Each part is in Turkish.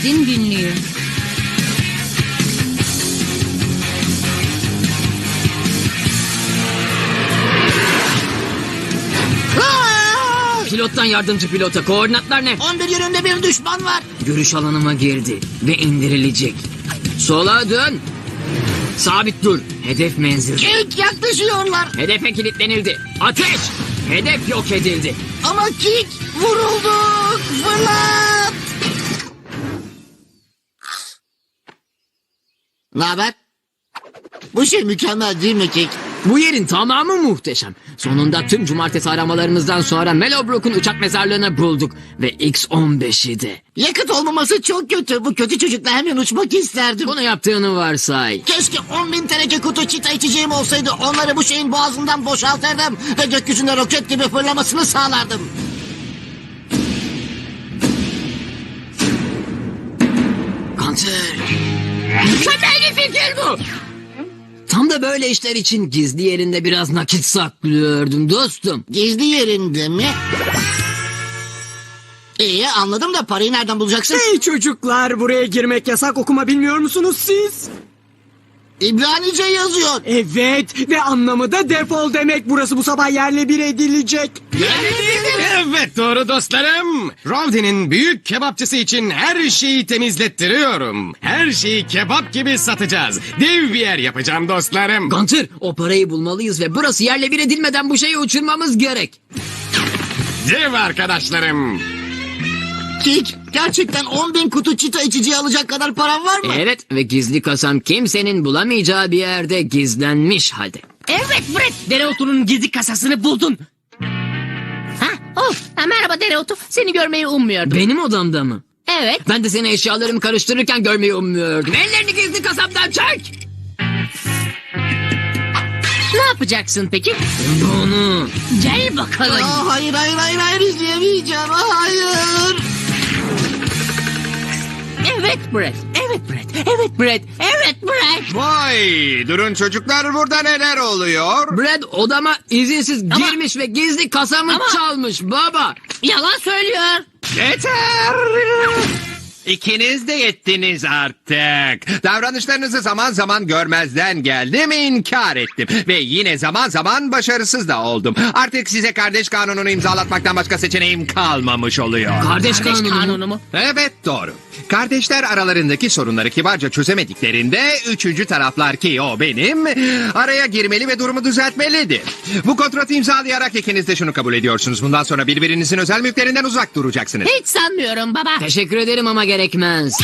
Brad'in günlüğü. Pilottan yardımcı pilota. Koordinatlar ne? 11 yönünde bir düşman var. Görüş alanıma girdi ve indirilecek. Sola dön. Sabit dur. Hedef menzili. Kick, yaklaşıyorlar. Hedefe kilitlenildi. Ateş! Hedef yok edildi. Ama Kick, vurulduk. Fırlat. Ne haber? Bu şey mükemmel değil mi Kick? Bu yerin tamamı muhteşem. Sonunda tüm cumartesi aramalarımızdan sonra Mellowbrook'un uçak mezarlığını bulduk. Ve X-15'i de. Yakıt olmaması çok kötü. Bu kötü çocukla hemen uçmak isterdim. Bunu yaptığını varsay. Keşke 10.000 teneke kutu çita içeceğim olsaydı. Onları bu şeyin boğazından boşaltırdım. Ve gökyüzünde roket gibi fırlamasını sağlardım. Kanser. Mükemmel bir fikir bu. Tam da böyle işler için gizli yerinde biraz nakit saklıyordum dostum. Gizli yerinde mi? İyi anladım da parayı nereden bulacaksın? Hey çocuklar, buraya girmek yasak, okuma bilmiyor musunuz siz? İbranice yazıyor. Evet, ve anlamı da defol demek. Burası bu sabah yerle bir edilecek. Evet doğru dostlarım. Rovdi'nin büyük kebapçısı için her şeyi temizlettiriyorum. Her şeyi kebap gibi satacağız. Dev bir yer yapacağım dostlarım. Gunter, o parayı bulmalıyız ve burası yerle bir edilmeden bu şeyi uçurmamız gerek. Dev arkadaşlarım. Kick, gerçekten 10.000 kutu çita içeceği alacak kadar param var mı? Evet ve gizli kasam kimsenin bulamayacağı bir yerde gizlenmiş halde. Evet Brett, dereotunun gizli kasasını buldun. Merhaba dereotu, seni görmeyi ummuyordum. Benim odamda mı? Evet. Ben de seni eşyalarımı karıştırırken görmeyi ummuyordum. Ellerini gizli kasaptan çek! Ne yapacaksın peki? Bunu. Gel bakalım. Hayır izleyemeyeceğim. Hayır. Evet Brett, evet Brett, evet Brett, evet Brett. Vay durun çocuklar burada neler oluyor? Brad odama izinsiz girmiş ve gizli kasamı çalmış baba. Yalan söylüyor. Yeter! İkiniz de yettiniz artık. Davranışlarınızı zaman zaman görmezden geldim, inkar ettim. Ve yine zaman zaman başarısız da oldum. Artık size kardeş kanununu imzalatmaktan başka seçeneğim kalmamış oluyor. Kardeş Kardeş kanunu. kanunu mu? Evet doğru. Kardeşler aralarındaki sorunları kibarca çözemediklerinde üçüncü taraflar ki o benim araya girmeli ve durumu düzeltmelidir. Bu kontratı imzalayarak ikiniz de şunu kabul ediyorsunuz. Bundan sonra birbirinizin özel mülklerinden uzak duracaksınız. Hiç sanmıyorum baba. Teşekkür ederim ama gerekmez.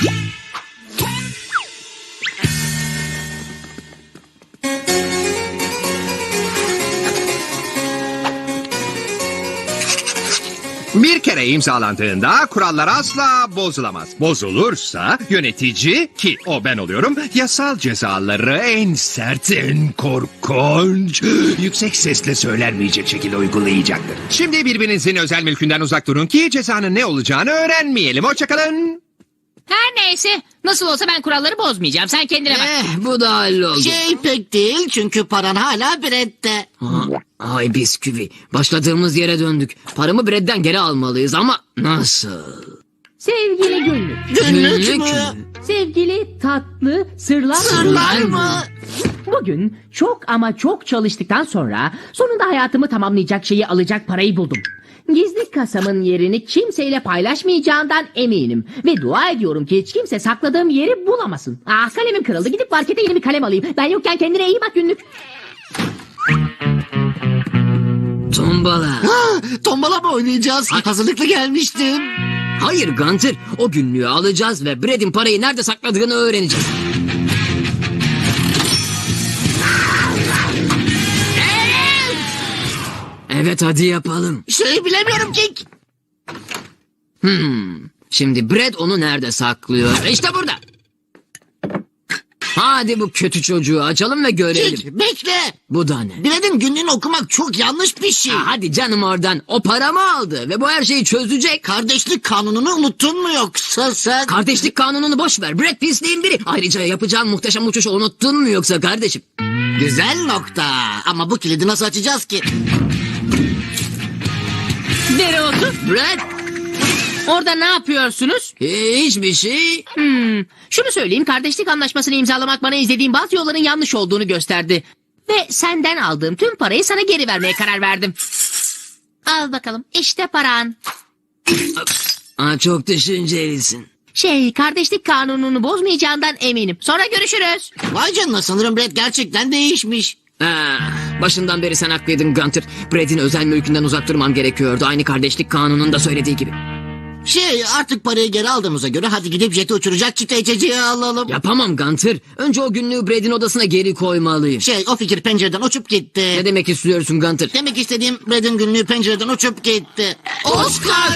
Bir kere imzalandığında kurallar asla bozulamaz. Bozulursa yönetici ki o ben oluyorum yasal cezaları en sert, en korkunç, yüksek sesle söylenmeyecek şekilde uygulayacaktır. Şimdi birbirinizin özel mülkünden uzak durun ki cezanın ne olacağını öğrenmeyelim. Hoşçakalın. Her neyse, nasıl olsa ben kuralları bozmayacağım. Sen kendine bak. Bu da halloldu. Şey pek değil çünkü paran hala Brett'te. Ay bisküvi. Başladığımız yere döndük. Paramı Brad'den geri almalıyız ama nasıl? Sevgili günlük. Günlük mü? Sevgili tatlı sırlar. Sırlar mı? Bugün çok ama çok çalıştıktan sonra sonunda hayatımı tamamlayacak şeyi alacak parayı buldum. Gizli kasamın yerini kimseyle paylaşmayacağından eminim. Ve dua ediyorum ki hiç kimse sakladığım yeri bulamasın. Kalemim kırıldı. Gidip markete yeni bir kalem alayım. Ben yokken kendine iyi bak günlük. Tombala. Tombala mı oynayacağız? Hazırlıklı gelmiştim. Hayır Gunter. O günlüğü alacağız ve Brad'in parayı nerede sakladığını öğreneceğiz. Evet hadi yapalım. Şey bilemiyorum Kick. Şimdi Brad onu nerede saklıyor? İşte burada. Hadi bu kötü çocuğu açalım ve görelim. Kick bekle. Bu da ne? Brad'in günlüğünü okumak çok yanlış bir şey. Hadi canım oradan. O paramı aldı ve bu her şeyi çözecek. Kardeşlik kanununu unuttun mu yoksa sen? Kardeşlik kanununu boş ver. Brad pisliğin biri. Ayrıca yapacağın muhteşem uçuşu unuttun mu yoksa kardeşim? Güzel nokta. Ama bu kilidi nasıl açacağız ki? Dereotu. Brad Orada ne yapıyorsunuz? Hiçbir şey. Şunu söyleyeyim, kardeşlik anlaşmasını imzalamak bana izlediğim bazı yolların yanlış olduğunu gösterdi. Ve senden aldığım tüm parayı sana geri vermeye karar verdim. Al bakalım, işte paran. Çok düşüncelisin. Kardeşlik kanununu bozmayacağından eminim. Sonra görüşürüz. Vay canına, sanırım Brad gerçekten değişmiş. Başından beri sen haklıydın Gunter. Brad'in özel mülkünden uzak durman gerekiyordu. Aynı kardeşlik kanununda söylediği gibi. Artık parayı geri aldığımıza göre hadi gidip jeti uçuracak çita içeceği alalım. Yapamam Gunter. Önce o günlüğü Brad'in odasına geri koymalıyım. O fikir pencereden uçup gitti. Ne demek istiyorsun Gunter? Demek istediğim, Brad'in günlüğü pencereden uçup gitti. Oscar!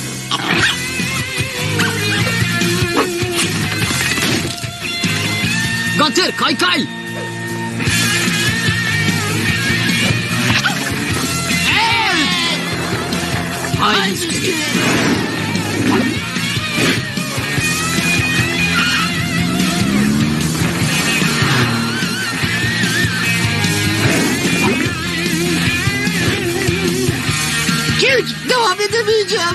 Gunter kaykay! Haydi. Hiç devam edemeyeceğim.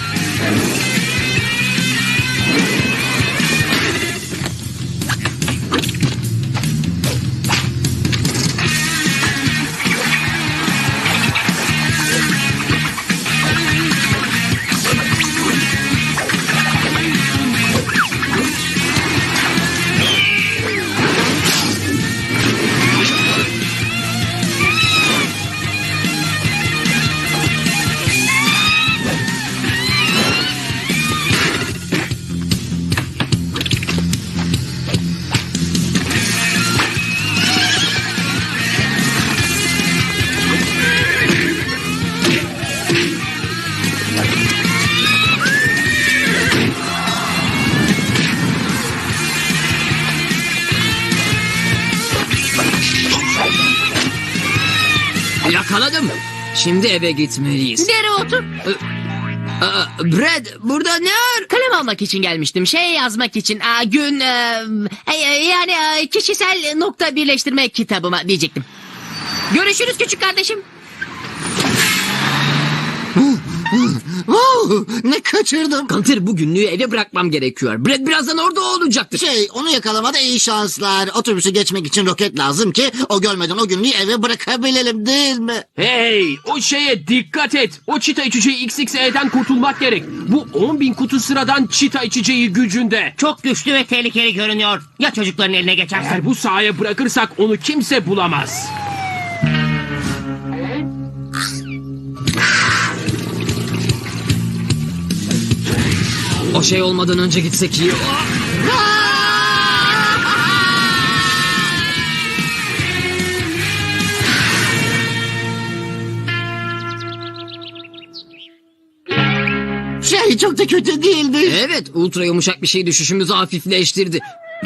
Yakaladım. Şimdi eve gitmeliyiz. Dereotu. Brad burada ne var? Kalem almak için gelmiştim. Yazmak için. Kişisel nokta birleştirme kitabıma diyecektim. Görüşürüz küçük kardeşim. Ne kaçırdım. Gunter bu günlüğü eve bırakmam gerekiyor. Brad birazdan orada olacaktır. Onu yakalamada iyi şanslar. Otobüsü geçmek için roket lazım ki o görmeden o günlüğü eve bırakabilelim, değil mi? Hey, o şeye dikkat et. O çita içeceği XXE'den kurtulmak gerek. Bu 10.000 kutu sıradan çita içeceği gücünde. Çok güçlü ve tehlikeli görünüyor. Ya çocukların eline geçerse? Eğer bu sahaya bırakırsak onu kimse bulamaz. O şey olmadan önce gitsek iyi. Çok da kötü değildi. Evet, ultra yumuşak bir şey düşüşümüzü hafifleştirdi.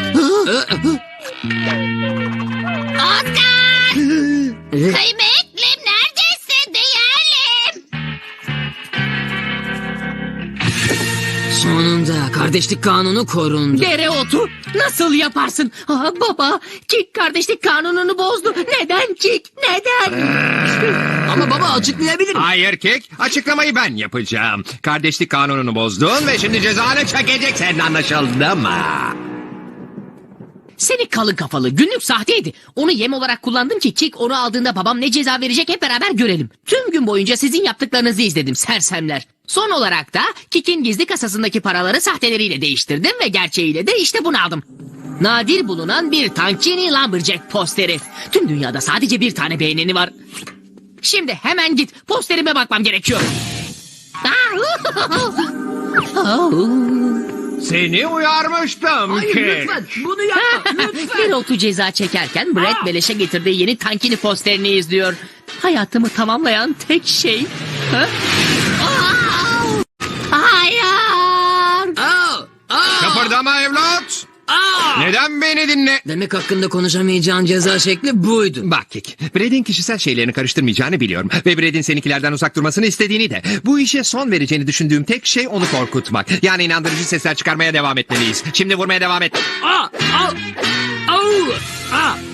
Oscar! Kıymetlim, neredesin değerlim? Sonunda kardeşlik kanunu korundu. Dereotu nasıl yaparsın? Baba, Kik kardeşlik kanununu bozdu. Neden Kik? Neden? Ama baba açıklayabilirim. Hayır Kek, açıklamayı ben yapacağım. Kardeşlik kanununu bozdun ve şimdi cezanı çekeceksin, anlaşıldı mı? Seni kalın kafalı, günlük sahteydi. Onu yem olarak kullandım ki Kik onu aldığında babam ne ceza verecek hep beraber görelim. Tüm gün boyunca sizin yaptıklarınızı izledim sersemler. Son olarak da Kik'in gizli kasasındaki paraları sahteleriyle değiştirdim ve gerçeğiyle de işte bunu aldım. Nadir bulunan bir Tankini Lumberjack posteri. Tüm dünyada sadece bir tane beğeneni var. Şimdi hemen git, posterime bakmam gerekiyor. Seni uyarmıştım Hayır Kek. lütfen bunu yapma lütfen. Dereotu ceza çekerken Brad beleşe getirdiği yeni Tankini posterini izliyor. Hayatımı tamamlayan tek şey. Hayır. Kıpırdama evlat. Neden beni dinle? Demek hakkında konuşamayacağın ceza şekli buydu. Bak Kek, Brad'in kişisel şeylerini karıştırmayacağını biliyorum. Ve Brad'in seninkilerden uzak durmasını istediğini de. Bu işe son vereceğini düşündüğüm tek şey onu korkutmak. Yani inandırıcı sesler çıkarmaya devam etmeliyiz. Şimdi vurmaya devam et. Au!